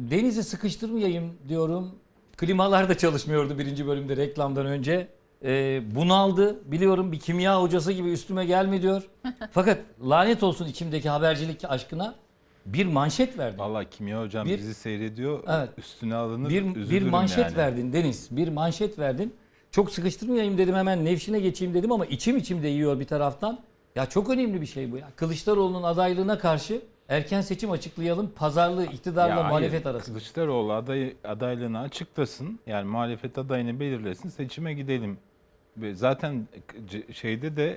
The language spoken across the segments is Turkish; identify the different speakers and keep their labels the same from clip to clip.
Speaker 1: Deniz'i sıkıştırmayayım diyorum. Klimalar da çalışmıyordu birinci bölümde reklamdan önce. Bunaldı. Biliyorum bir kimya hocası gibi üstüme gelme diyor. Fakat lanet olsun içimdeki habercilik aşkına bir manşet verdin.
Speaker 2: Vallahi Kimya hocam
Speaker 1: Bir-
Speaker 2: bizi seyrediyor.
Speaker 1: Evet.
Speaker 2: Üstüne alınır,
Speaker 1: Bir
Speaker 2: üzülürüm
Speaker 1: manşet
Speaker 2: yani.
Speaker 1: verdin Deniz. Bir manşet verdin. Çok sıkıştırmayayım dedim, hemen Nevşin'e geçeyim dedim ama içim de yiyor bir taraftan. Ya çok önemli bir şey bu ya. Kılıçdaroğlu'nun adaylığına karşı erken seçim açıklayalım. Pazarlığı iktidarla
Speaker 2: Ya
Speaker 1: muhalefet
Speaker 2: hayır,
Speaker 1: arasında.
Speaker 2: Kılıçdaroğlu adaylığını açıklasın. Yani muhalefet adayını belirlesin. Seçime gidelim. Ve zaten şeyde de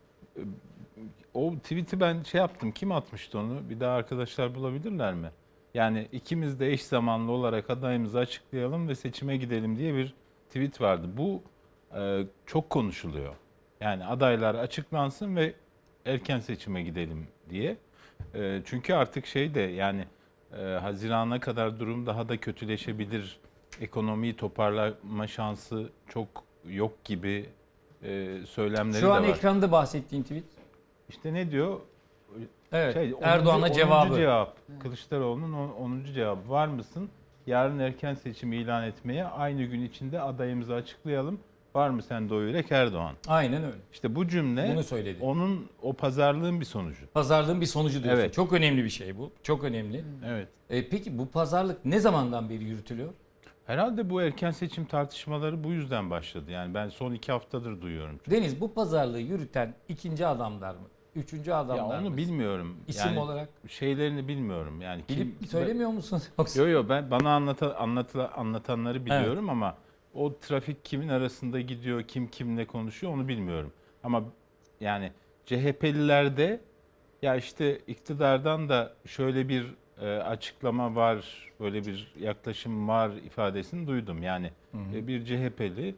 Speaker 2: o tweet'i ben şey yaptım. Kim atmıştı onu? Bir daha arkadaşlar bulabilirler mi? Yani ikimiz de eş zamanlı olarak adayımızı açıklayalım ve seçime gidelim diye bir tweet vardı. Bu çok konuşuluyor. Yani adaylar açıklansın ve erken seçime gidelim diye. Çünkü artık şey de yani Haziran'a kadar durum daha da kötüleşebilir. Ekonomiyi toparlama şansı çok yok gibi söylemleri
Speaker 1: Şu
Speaker 2: de
Speaker 1: an
Speaker 2: var.
Speaker 1: ekranda bahsettiğin tweet.
Speaker 2: İşte ne diyor?
Speaker 1: Evet.
Speaker 2: 10.
Speaker 1: Erdoğan'a cevabı.
Speaker 2: 10. cevap. Kılıçdaroğlu'nun 10. cevabı. Var mısın? Yarın erken seçim ilan etmeye, aynı gün içinde adayımızı açıklayalım. Var mı sende o yürek Erdoğan?
Speaker 1: Aynen öyle.
Speaker 2: İşte bu cümle
Speaker 1: Bunu söyledi.
Speaker 2: onun o pazarlığın bir sonucu.
Speaker 1: Pazarlığın bir sonucu diyorsun.
Speaker 2: Evet.
Speaker 1: Çok önemli bir şey bu. Çok önemli.
Speaker 2: Evet.
Speaker 1: Peki bu pazarlık ne zamandan beri yürütülüyor?
Speaker 2: Herhalde bu erken seçim tartışmaları bu yüzden başladı. Yani ben son 2 haftadır duyuyorum.
Speaker 1: Deniz, bu pazarlığı yürüten ikinci adamlar mı? Üçüncü
Speaker 2: Ya
Speaker 1: adamlar mı?
Speaker 2: onu bilmiyorum.
Speaker 1: İsim
Speaker 2: Yani
Speaker 1: olarak.
Speaker 2: şeylerini bilmiyorum. Yani
Speaker 1: Bilip söylemiyor musun? Yoksa
Speaker 2: Yo yo ben bana anlatanları biliyorum ama o trafik kimin arasında gidiyor, kim kimle konuşuyor onu bilmiyorum. Ama yani CHP'lilerde ya işte iktidardan da şöyle bir açıklama var, böyle bir yaklaşım var ifadesini duydum. Yani bir CHP'li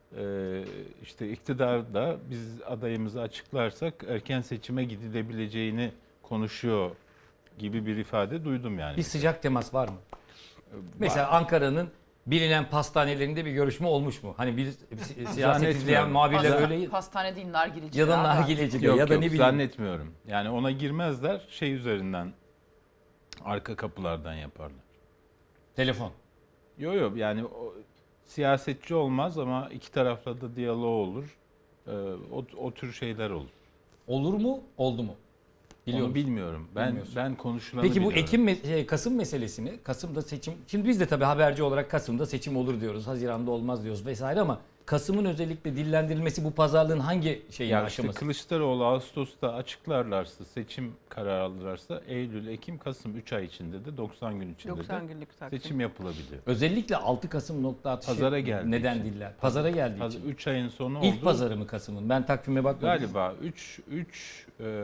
Speaker 2: işte iktidarda biz adayımızı açıklarsak erken seçime gidilebileceğini konuşuyor gibi bir ifade duydum yani.
Speaker 1: bir sıcak temas var mı? Mesela Ankara'nın bilinen pastanelerinde bir görüşme olmuş mu? Hani bir siyaset
Speaker 2: Zannetmiyorum.
Speaker 1: izleyen muhabirler öyle
Speaker 3: Pastane değil, nargileci.
Speaker 1: ya da
Speaker 3: galiba.
Speaker 1: nargileci
Speaker 2: Yok
Speaker 1: ya da
Speaker 2: yok
Speaker 1: ne bileyim.
Speaker 2: zannetmiyorum. Yani ona girmezler, şey üzerinden arka kapılardan yaparlar.
Speaker 1: Telefon.
Speaker 2: Yok yok yani siyasetçi olmaz ama iki tarafla da diyalog olur. O tür şeyler olur.
Speaker 1: Olur mu? Oldu mu? Biliyor
Speaker 2: Onu
Speaker 1: musun?
Speaker 2: bilmiyorum.
Speaker 1: Bilmiyorsun.
Speaker 2: Ben konuşulanı
Speaker 1: Peki bu
Speaker 2: biliyorum.
Speaker 1: Kasım meselesini, Kasım'da seçim, şimdi biz de tabii haberci olarak Kasım'da seçim olur diyoruz, Haziran'da olmaz diyoruz vesaire ama Kasım'ın özellikle dillendirilmesi bu pazarlığın hangi şeyin
Speaker 2: Ya işte
Speaker 1: aşaması?
Speaker 2: Kılıçdaroğlu Ağustos'ta açıklarlarsa, seçim kararı alırlarsa Eylül, Ekim, Kasım 3 ay içinde de 90 gün içinde
Speaker 3: 90
Speaker 2: de
Speaker 3: günlük takvim.
Speaker 2: seçim yapılabiliyor.
Speaker 1: Özellikle 6 Kasım nokta atışı
Speaker 2: Pazara geldiği
Speaker 1: neden
Speaker 2: için.
Speaker 1: diller? Pazara geldiği için.
Speaker 2: 3 ayın sonu oldu.
Speaker 1: İlk pazarı mı Kasım'ın? Ben takvime bakmadım.
Speaker 2: Galiba 3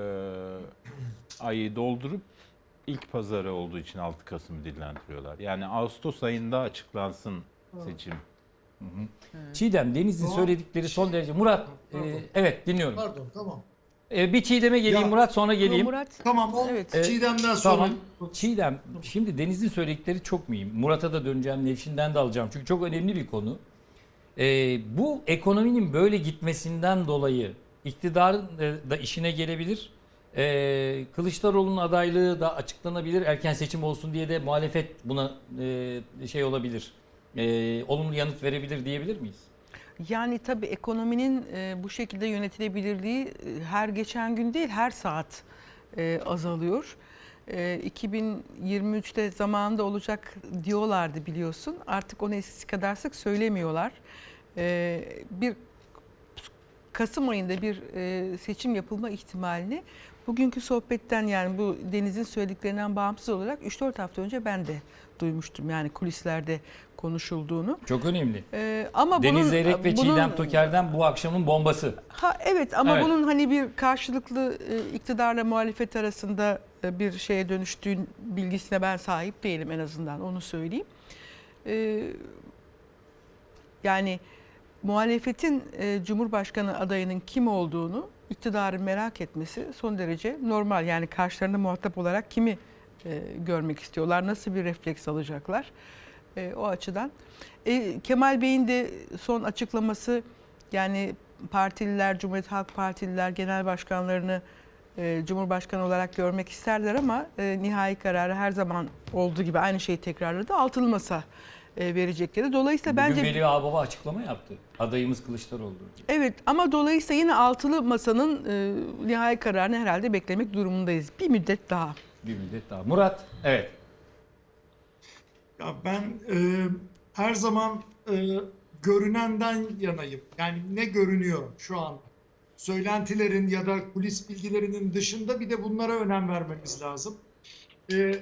Speaker 2: ayı doldurup ilk pazarı olduğu için 6 Kasım'ı dillendiriyorlar. Yani Ağustos ayında açıklansın seçim.
Speaker 1: Çiğdem, Deniz'in
Speaker 4: Doğru.
Speaker 1: söyledikleri son derece. Murat,
Speaker 4: Pardon.
Speaker 1: evet dinliyorum.
Speaker 4: Pardon, tamam.
Speaker 1: Bir Çiğdem'e geleyim
Speaker 4: Ya,
Speaker 1: Murat, sonra geleyim.
Speaker 3: Murat,
Speaker 4: Tamam, o
Speaker 3: Evet.
Speaker 4: Çiğdem'den sonra.
Speaker 1: Tamam. Çiğdem, şimdi Deniz'in söyledikleri çok mühim. Murat'a da döneceğim, Nevşin'den de alacağım. Çünkü çok önemli bir konu. Bu ekonominin böyle gitmesinden dolayı iktidarın da işine gelebilir. Kılıçdaroğlu'nun adaylığı da açıklanabilir. Erken seçim olsun diye de muhalefet buna şey olabilir. Olumlu yanıt verebilir diyebilir miyiz?
Speaker 3: yani tabii ekonominin bu şekilde yönetilebilirliği her geçen gün değil, her saat azalıyor. 2023'te zamanında olacak diyorlardı biliyorsun. Artık onu eskisi kadar sık söylemiyorlar. Bir Kasım ayında bir seçim yapılma ihtimalini bugünkü sohbetten, yani bu Deniz'in söylediklerinden bağımsız olarak 3-4 hafta önce ben de duymuştum. Yani kulislerde konuşulduğunu.
Speaker 1: Çok önemli.
Speaker 3: Ama
Speaker 1: Deniz
Speaker 3: bunun,
Speaker 1: Zeyrek ve
Speaker 3: bunun-
Speaker 1: Çiğdem Toker'den bu akşamın bombası.
Speaker 3: Evet ama
Speaker 1: Evet.
Speaker 3: bunun hani bir karşılıklı iktidarla muhalefet arasında bir şeye dönüştüğün bilgisine ben sahip değilim, en azından onu söyleyeyim. Yani muhalefetin Cumhurbaşkanı adayının kim olduğunu iktidarın merak etmesi son derece normal. Yani karşılarında muhatap olarak kimi görmek istiyorlar, nasıl bir refleks alacaklar o açıdan. Kemal Bey'in de son açıklaması, yani partililer, Cumhuriyet Halk Partililer genel başkanlarını Cumhurbaşkanı olarak görmek isterler ama nihai kararı her zaman olduğu gibi aynı şeyi tekrarladı. Altılı masa verecekleri. Dolayısıyla
Speaker 1: Bugün
Speaker 3: bence
Speaker 1: Veli Ağbaba açıklama yaptı. Adayımız Kılıçdaroğlu.
Speaker 3: evet, ama dolayısıyla yine altılı masanın nihai kararını herhalde beklemek durumundayız. Bir müddet daha.
Speaker 1: Bir müddet daha. Murat, evet.
Speaker 4: Ya ben her zaman görünenden yanayım. Yani ne görünüyor şu an? Söylentilerin ya da kulis bilgilerinin dışında bir de bunlara önem vermemiz lazım.